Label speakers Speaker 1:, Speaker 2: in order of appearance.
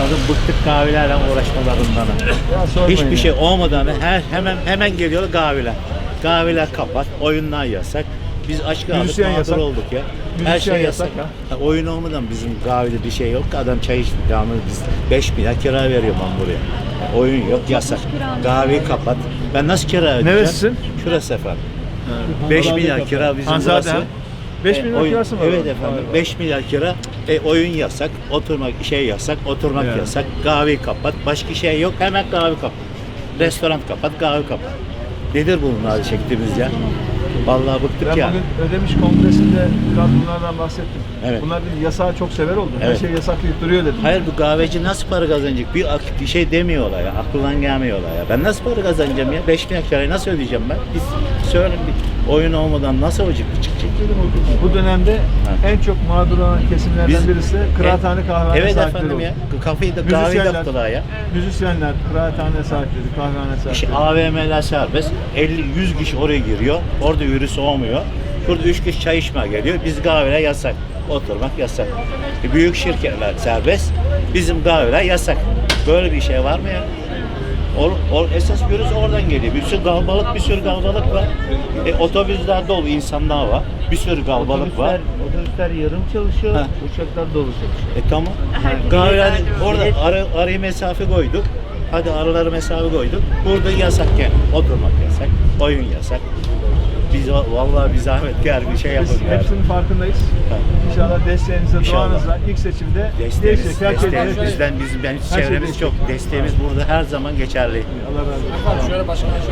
Speaker 1: Artık bıktık kahvelerle uğraşmalarından.
Speaker 2: Ya sormayın
Speaker 1: Hiçbir
Speaker 2: ya.
Speaker 1: şey olmadan hemen geliyor kahveler. Kahveler kapat, oyunlar yasak. Biz aç kaldık,
Speaker 2: Müzisyen
Speaker 1: mağdur
Speaker 2: yasak.
Speaker 1: olduk ya. Her
Speaker 2: Müzisyen
Speaker 1: şey
Speaker 2: yasak
Speaker 1: yasak. Oyun olmadan bizim kahvede bir şey yok ki. Adam çay içti. Yani biz 5 milyar kira veriyor ben buraya. Oyun yok, yasak. Kahveyi kapat. Ben nasıl kira ödeyeceğim?
Speaker 2: Neresisin?
Speaker 1: Şurası efendim. 5 milyar kira bizim
Speaker 2: Hanzade
Speaker 1: burası.
Speaker 2: ha? 5 milyon
Speaker 1: Oyun-
Speaker 2: kirası mı?
Speaker 1: Evet
Speaker 2: var?
Speaker 1: efendim.
Speaker 2: Vay vay.
Speaker 1: 5 milyar kira. Oyun yasak, oturmak yasak, oturmak
Speaker 2: Yani.
Speaker 1: yasak. Kahveyi kapat. Başka şey yok. Hemen kahve kapat. Restoran kapat, kahve kapat. Nedir bunun hali çektiğimiz ya? Vallahi bıktık
Speaker 2: Ben
Speaker 1: ya.
Speaker 2: bugün Ödemiş Kongresi'nde biraz bunlardan bahsettim.
Speaker 1: Evet.
Speaker 2: Bunlar dedi, yasağı çok sever oldu. Her
Speaker 1: Evet.
Speaker 2: şey yasaklayıp duruyor dedim.
Speaker 1: Hayır, bu kahveci nasıl para kazanacak? Bir şey demiyorlar ya. Aklından gelmiyorlar ya. Ben nasıl para kazanacağım ya? 5 milyar kirayı nasıl ödeyeceğim ben? Biz söyleyin, bir oyun olmadan nasıl olacak çıkacak?
Speaker 2: Bu dönemde en çok mağdur olan kesimlerden
Speaker 1: Biz-
Speaker 2: birisi de kıraathane kahvehane
Speaker 1: Evet
Speaker 2: sahipleri
Speaker 1: efendim
Speaker 2: oldu.
Speaker 1: ya. Kafayı da kahveyi
Speaker 2: Müzisyenler-
Speaker 1: yaptılar ya.
Speaker 2: Müzisyenler, kıraathane sahipleri, kahvehane
Speaker 1: İşte
Speaker 2: sahipleri.
Speaker 1: AVM'ler serbest. 50-100 kişi oraya giriyor. Orada virüs olmuyor. Burada 3 kişi çay içmeye geliyor. Biz kahveler yasak. Oturmak yasak. Büyük şirketler serbest. Bizim kahveler yasak. Böyle bir şey var mı ya? Esas virüs oradan geliyor. Bir sürü kalabalık var. Otobüsler dolu, insanlar var. Bir sürü kalabalık var.
Speaker 3: Otobüsler yarım çalışıyor,
Speaker 1: Ha.
Speaker 3: uçaklar dolu çalışıyor.
Speaker 1: Tamam. Kahveler orada araya mesafe koyduk. Hadi araları mesafe koyduk. Burada yasak yani. Oturmak yasak. Oyun yasak. Biz vallahi bir zahmet gel bir şey yapın.
Speaker 2: Biz hepsinin farkındayız. İnşallah desteğinizle,
Speaker 1: İnşallah.
Speaker 2: duanızla ilk seçimde değişecek. Herkes
Speaker 1: Desteğimiz
Speaker 2: değişecek.
Speaker 1: bizden, ben
Speaker 2: Her şey
Speaker 1: çevremiz
Speaker 2: değişecek.
Speaker 1: çok. Desteğimiz burada her zaman geçerli.
Speaker 2: Allah razı olsun.
Speaker 3: Şöyle başka